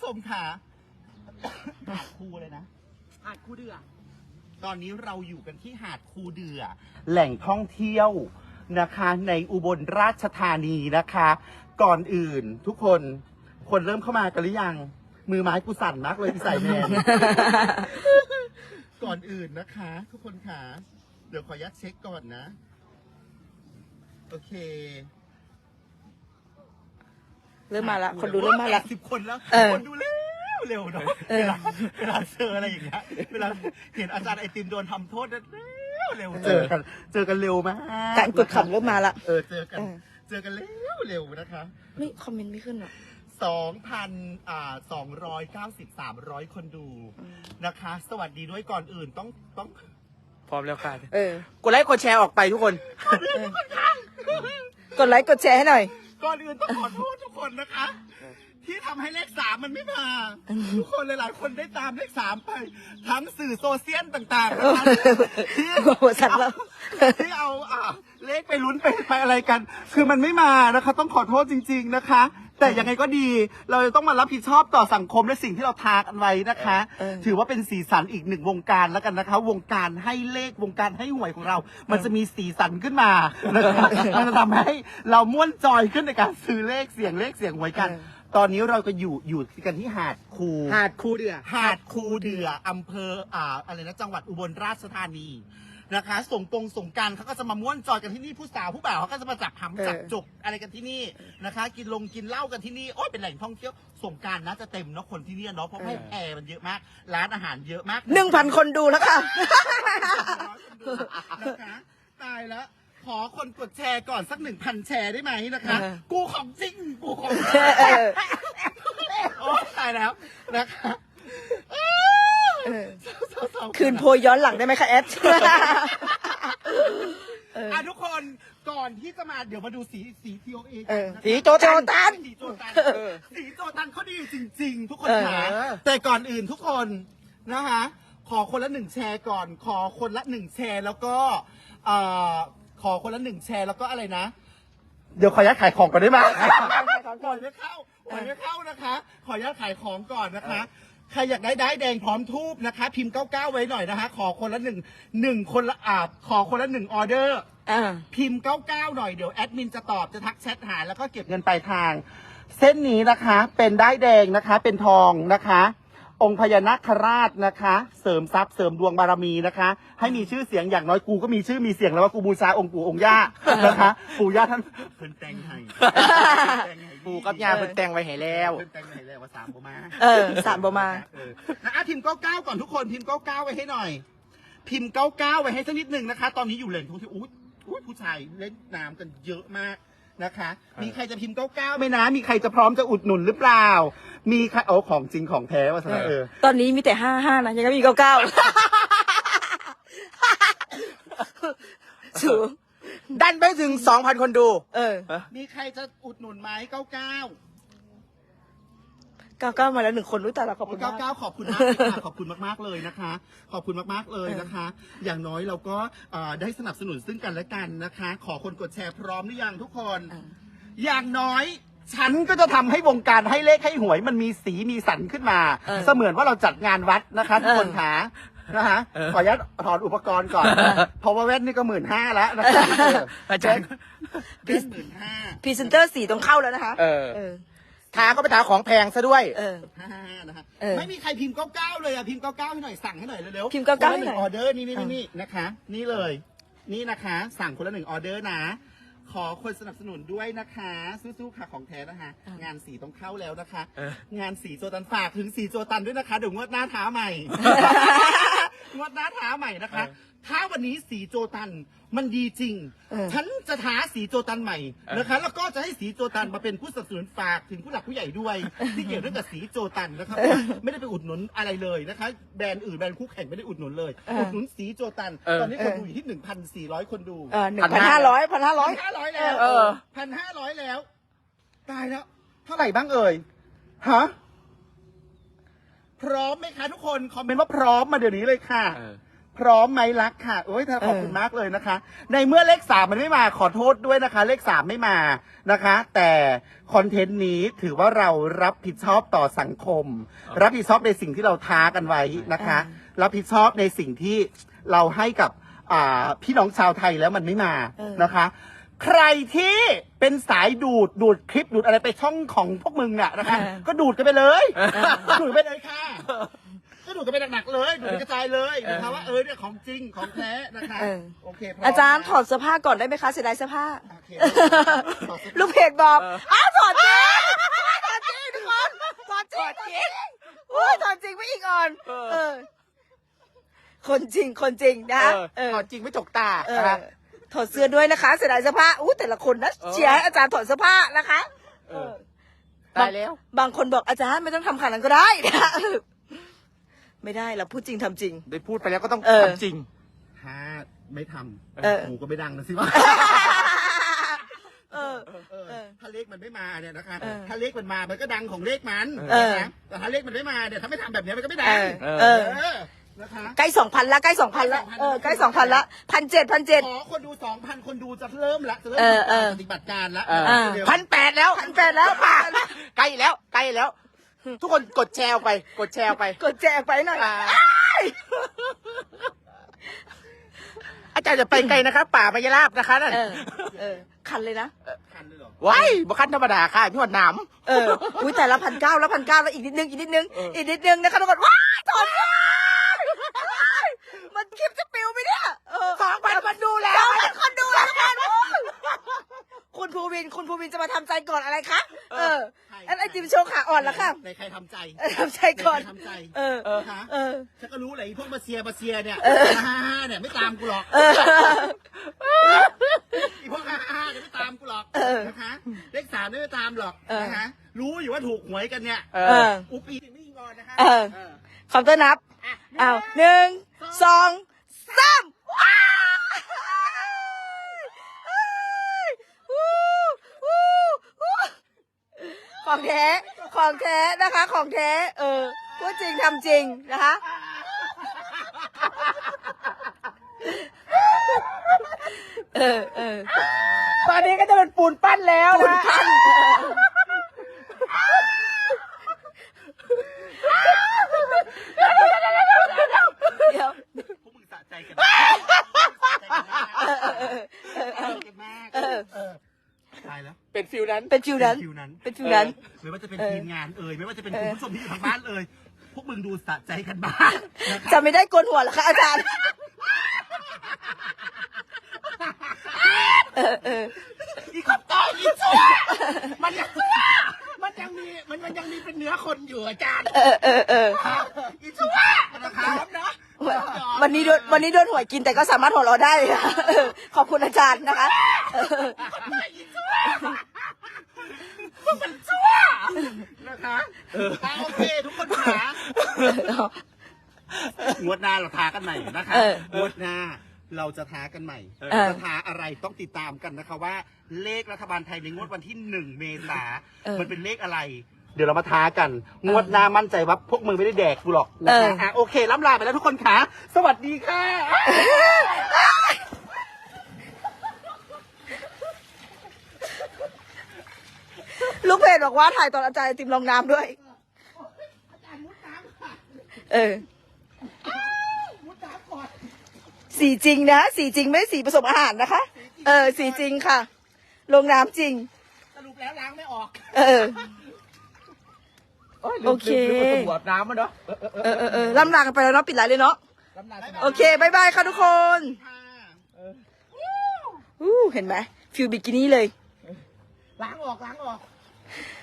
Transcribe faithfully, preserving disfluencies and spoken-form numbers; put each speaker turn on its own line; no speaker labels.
ชมค่ะหาดคูเลยนะหาดคูเดือตอนนี้เราอยู่กันที่หาดคูเดือแหล่งท่องเที่ยวนะคะในอุบลราชธานีนะคะ ก่อนอื่นทุกคนคนเริ่มเข้ามากันหรือยังมือไม้กูสั่นมากเลยที่ใส่แมน ก่อนอื่นนะคะ ทุกคนค่ะเดี๋ยวขอยัดเช็คก่อนนะโอเค
เริ่มมาละคนดูเริ่มมาละ
สิบคนแล้ว
เออ
คนดูเร็วเร็วเนาะเวลาเวลาเจออะไรอย่างเงี้ยเวลาเห็นอาจารย์ไอติมโดนทำโทษเร็วเร็วเจอกันเจอกันเร็วมาก
การกดขำเริ่มมาละ
เออเจอกันเจอกันเร็วเร็วนะคะ
ไม่คอมเมนต์ไม่ขึ้นหรอ
สองพันอ่าสองร้อยเก้าสิบสามร้อยคนดูนะคะ สวัสดีด้วยก่อนอื่นต้องต้อง
พร้อมแล้วค่ะ
เออ
กดไลค์กดแชร์ออกไปทุกคน
กดไลค์กดแชร์ให้หน่อย
ก่อนอื่นต้องขอโทษทุกคนนะคะ ที่ทำให้เลขสามมันไม่มาทุกคนหลายๆคนได้ตามเลขสามไป ทั้งสื่อโซเชียลต่างๆนะคะที่
หัวสั่นแล้ว
ที่เอาอ่าเลขไปลุ้นไปไปอะไรกัน คือมันไม่มานะคะ ต้องขอโทษจริง ๆนะคะ แต่ยังไงก็ดี เราจะต้องมารับผิดชอบต่อสังคมและสิ่งที่เราทากันไว้นะคะ
เออ
ถือว่าเป็นสีสันอีกหนึ่งวงการแล้วกันนะคะ วงการให้เลขวงการให้หวยของเรา มันจะมีสีสันขึ้นมานะคะมันจะทำให้เราม่วนจอยขึ้นในการซื้อเลขเสียงเลขเสียงหวยกัน ตอนนี้เราก็อยู่อยู่กันที่หาดคู
หาดคูเดือ
หาดคูเดืออำเภออ่าอะไรนะจังหวัดอุบลราชธานีนะคะสงกงสงกรารเขาก็จะมาม่วนจอยกันที่นี่ผู้สาวผู้บ่าวเขาก็จะมาจับหำจับจกอะไรกันที่นี่นะคะ กินลงกินเหล้ากันที่นี่โอ้ยเป็นแหล่งท่องเที่ยวสงกรารนะจะเต็มเนาะคนที่นี่เนาะเพราะให้แอร์มันเยอะมาก ร้านอาหารเยอะมาก
หนึ่งพันคนดูแล้วค่ะ
นะคะตายแล้วขอคนกดแชร์ก่อนสักหนึ่งพันแชร์ได้ไหมนะคะ
เออ
กูของจริงกูของจริง
เออ
โอ้ตายแล้วนะคะ
เออคืนโพยย้อนหลังได้ไหมคะแอด
อ่ะทุกคนก่อนที่จะมาเดี๋ยวมาดูสีสีทีโอเอ
เออ
นะคะ
สีโจตัน
สีโจตัน
เออ
สีโจตันเขาดีจริง ๆ ทุกคน
เออ
ค่ะแต่ก่อนอื่นทุกคนนะคะขอคนละหนึ่งแชร์ก่อน ขอคนละหนึ่งแชร์แล้วก็เอ่อขอคนละหนึ่งแชร์แล้วก็อะไรนะ เดี๋ยวขออนุญาตขายของก่อนได้ไหมก่อนไม่เข้าก่อนไม่เข้านะคะ ขออนุญาตขายของก่อนนะคะ ใครอยากได้ได้ายแดงพร้อมทูบนะคะ พิมพ์เก้าเก้าไว้หน่อยนะคะ ขอคนละหนึ่งหนึ่งคนละอ่าขอคนละหนึ่งออเดอร์
อ่า
พิมพ์เก้าเก้าหน่อยเดี๋ยวแอดมินจะตอบจะทักแชทหาแล้วก็เก็บเงินปลายทาง เส้นนี้นะคะเป็นได้ายแดงนะคะเป็นทองนะคะ องค์พญานาคราชนะคะ เสริมทรัพย์เสริมดวงบารมีนะคะ ให้มีชื่อเสียงอย่างน้อยกูก็มีชื่อมีเสียงแล้วว่ากูบูชาองค์ปู่องค์ย่านะคะปู่ย่าท่านเพิ่นแต่งให้
ปูกับยาเพิ่นแต่งไว้ให้แล้ว
เพิ่นแต่งให้แล้วว่าสามบ่มา
เออสามบมา
เอออ่ะพิมพ์เก้าเก้าก่อนทุกคนพิมพ์เก้าเก้าไว้ให้หน่อย พิมพ์เก้าเก้าไว้ให้สักนิดหนึ่งนะคะ ตอนนี้อยู่แหล่งท่องเที่ยวอุ้ยอุ้ยผู้ชายเล่นน้ำกันเยอะมากนะคะ มีใครจะพิมพ์เก้าเก้าไหมนะ มีใครจะพร้อมจะอุดหนุนหรือเปล่า มีใครโอ้ของจริงของแท้ว่าซะเออ
ตอนนี้มีแต่ห้าห้านะยังไม่มีเก้าเก้าสู
ดันไปถึงสองพันคนดู
เออ
มีใครจะอุดหนุนไหมเก้าเก้า
เก้าเก้ามาแล้วหนึ่งคนรู้แต่ละขอบคุณ
เก้าม
าก
เก้าขอบคุณมากเลยค่ะขอบคุณมากๆเลยนะคะ ขอบคุณมากๆเลยนะคะ อย่างน้อยเราก็เอ่อได้สนับสนุนซึ่งกันและกันนะคะ ขอคนกดแชร์พร้อมหรือยังทุกคน
อ่า
อย่างน้อย ฉันก็จะทำให้วงการให้เลขให้หวยมันมีสีมีสันขึ้นมา
เออ
เสมือนว่าเราจัดงานวัดนะคะทุกคนขานะคะ
เออ
ขออนุญาตถอดอุปกรณ์ก่อนเพราะว่าแว่นนี่ก็หมื่นห้าแล้วนะคะ
อาจารย์
แว่นหมื่นห้า
พรีเซนเตอร์สี่ต้องเข้าแล้วนะคะ
เออ
เออ
ทาก็ไปทาของแพงซะด้วย
เออ
ห้านะคะ
เออ
ไม่มีใครพิมพ์เก้าเก้าเลยอะพิมพ์เก้าเก้าให้หน่อยสั่งให้หน่อยเร็วๆ
พิมพ์เก้าเก้า
คนละหนึ่
ให้หน่
ง
อย
ออเดอร์นี่นี่
อ่ะ
นี่นะคะ นี่เลย นี่นะคะ สั่งคนละหนึ่งออเดอร์นะ ขอคนสนับสนุนด้วยนะคะสู้ๆค่ะของแท้นะคะ งานสีต้องเข้าแล้วนะคะ
เออ
งานสีโจตันฝากถึงสีโจตันด้วยนะคะเดี๋ยวงวดหน้าท้าใหม่ งวดหน้าท้าใหม่นะคะ ถ้าวันนี้สีโจตันมันดีจริง
เออ
ฉันจะท้าสีโจตันใหม่นะคะ แล้วก็จะให้สีโจตันมาเป็นผู้สนับสนุนฝากถึงผู้หลักผู้ใหญ่ด้วย ที่เกี่ยวเรื่องกับสีโจตันนะครับไม่ได้ไปอุดหนุนอะไรเลยนะคะ แบรนด์อื่นแบรนด์คู่แข่งไม่ได้อุดหนุนเลย
เออ
อุดหนุนสีโจตัน
เออ
ตอนนี้คนดูอยู่ที่หนึ่งพันสี่ร้อยคนดู
เออหนึ่งพันห้าร้อยพันห้าร้อย
ห้าร้อยแล้ว
เออ
พันห้าร้อยแล้ว ตายแล้ว เท่าไหร่บ้างเอ่ยฮะพร้อมไหมคะทุกคนคอมเมนต์ว่าพร้อมมาเดี๋ยวนี้เลยค่ะ
เออ
พร้อมไหมรักค่ะโอ้ยเธอขอบคุณมากเลยนะคะ ในเมื่อเลขสามมันไม่มาขอโทษด้วยนะคะ เลขสามไม่มานะคะ แต่คอนเทนต์นี้ถือว่าเรารับผิดชอบต่อสังคม รับผิดชอบในสิ่งที่เราท้ากันไว้นะคะ รับผิดชอบในสิ่งที่เราให้กับอ่าพี่น้องชาวไทยแล้วมันไม่มานะคะ ใครที่เป็นสายดูดดูดคลิปดูดอะไรไปช่องของพวกมึงน่ะนะคะ ก็ดูดกันไปเลยดูดไปเลยค่ะ ก็ดูดกันไปหนักๆเลยดูดกันกระจายเลยนะคะว่าเออเนี่ยของจริงของแท้นะคะ
เออ
โอเคพม
อาจารย์
นะ
ถอดเสื้อผ้าก่อนได้ไหมคะเสียดายเสื้อผ้า
โอเคถอดเสื้อผ้า
ลูกเพจบอกอ้าวถอดจริงถอดจริงทุกคนถอดจริงถอดจริงโอ้ยถอดจริงไม่อีกอ่อนเออ คนจริงคนจริงนะ
เออ
เออ
ถอดจริงไม่จกตา
เออ
นะคะ
ถอดเสื้อด้วยนะคะเสียดายเสื้อผ้าอู้แต่ละคนนะ
เออ
เชียร์ให้อาจารย์ถอดเสื้อผ้านะคะ
เออตายแล้ว
บางคนบอกอาจารย์ไม่ต้องทำขนาดนั้นก็ได้นะไม่ได้เราพูดจริงทำจริง
ได้พูดไปแล้วก็ต้อง
เออ
ทำจริง
ถ้าไม่ท
เออ
ำหูก็ไม่ดังนะสิวะ
เออ
เออ
เออ
ถ้าเลขมันไม่มาเนี่ยนะคะ
เออ
ถ้าเลขมันมามันก็ดังของเลขมัน
เออ
นะแต่ถ้าเลขมันไม่มาเนี่ยถ้าไม่ทำแบบเนี้ยมันก็ไม่ดั
เอง อเออ
เออนะคะ
ใกล้สองพันละใกล้สองพันละเออใกล้สองพันละพันเจ็ดพันเจ็ด
ขอคนดูสองพันคนดูจะเริ่มละจะเริ่ม
เออเออ
ปฏิบัติการละ
เออ
เดี๋ยว
พันแปดแล้ว
พันแปดแล้ว
ใกล้แล้วใกล้แล้ว ทุกคนกดแชร์ออกไป กดแชร์ออกไป
กดแจกไปหน่อย
อ่า อาจารย์จะไปไกลนะครับ ป่ามายราบนะคะนั่น
เออเออคันเลยนะ
คันเลยเหรอ
ว้ายบุคันธรรมดาค่ะพี่หวดหนาม
เอออุ้ยแต่ละพันเก้าแล้วพันเก้าแล้วอีกนิดนึงอีกนิดนึงอีกนิดนึงนะคะทุกคนว้ายถอดว้ายมันคลิปจะปิวไหมเนี่ยเออ
สองพันคนดูแล้ว
สองพันคนดูแล้วทุกคนโอ้ยคุณภูวินคุณภูวินจะมาทำใจก่อนอะไรคะเอออันไอจิมโชว์ขาอ่อนแล้วค่ะ
ในใครทำใจ
เออทำใจก่อน
ในใครทำใจ
เออ
เออฮะ
เออ
ฉันก็รู้แหละไอ้พวกมาเซียมาเซียเนี่ยฮ่าฮ่าเนี่ยไม่ตามกูหรอก
เออ
ไอ้พวกฮ่าฮ่าเนี่ยไม่ตามกูหรอก
เออ
นะคะเลขสามไม่ตามหรอก
เออ
นะคะรู้อยู่ว่าถูกหวยกันเนี่ย
เอ
เอ
อ
อ
อุปีไม่ยิงงอนนะคะ
เออ คอมเตอร์นับอ้าวหนึ่งสองสามว้ายวู้วู้วู้ของแท้ของแท้นะคะ ของแท้เออพูดจริงทำจริงนะคะ เออเออ
ตอนนี้ก็จะเป็นปูนปั้นแล้ว
คุณ
นะ
พันเดี๋ยว
พวกมึงสะใจกันมากสะใจกันมากสะใจกันมาก
เออ
เออตายแล้ว
เป็นฟิลนั้น
เป็นฟิวนั้น
ฟิวนั้น
เป็นฟิวนั้น
ไม่ว่าจะเป็น
เออ
ทีมงานเอ่ยไม่ว่าจะเป็น
เออ
คุณผู้ชมที่อยู่ทางบ้านเอ่ยพวกมึงดูสะใจกันบ้างนะครับ
จะไม่ได้โกนหัวเหรอคะอาจารย์ เออเออ
อีกคำตอบอีกชั่วมันยังมันยังมีมันมันยังมีเป็นเนื้อคนอยู่อาจารย์
เออเออเออ
อีกชั่วนะครับนะ
วันนี้โดนวันนี้โดนหวยกินแต่ก็สามารถหัวเราะได้ค่ะเออขอบคุณอาจารย์นะคะเออ
อีกชั่วพวกมันชั่วนะคะอ่ะโอเคทุกคนขางวดหน้าเราท้ากันใหม่นะคะ
เออ
งวดหน้าเราจะท้ากันใหม่
เออ
จะท้าอะไรต้องติดตามกันนะคะว่าเลขรัฐบาลไทยในงวดวันที่หนึ่งเมษา
เออ
มันเป็นเลขอะไร เดี๋ยวเรามาท้ากัน งวดหน้ามั่นใจว่าพวกมึงไม่ได้แดกกูหรอกนะคะ
เอออ่
ะโอเคล้ำลาไปแล้วทุกคนค่ะสวัสดีค่ะ
ลูกเพจบอกว่าถ่ายตอนอาจารย์ไอติมลงน้ำด้วย เออ สีจริงนะ สีจริงไม่สีผสมอาหารนะคะ เออ สีจริงค่ะ ลงน้ำจริง
สรุปแล้วล้างไม่ออก
เออ
โอ
โอเค
ลืมลืมลืมกดหัวน้ำมันเนาะเออเออ
เออเออเออล่ำลากันไปแล้วเนาะปิดไลน์เลยเนาะ
ลำลา
โอเคบายบายค่ะทุกคน
ค่ะ
อู้เห็นไหมฟิลบิกินี่เลย
ล้างออกล้างออก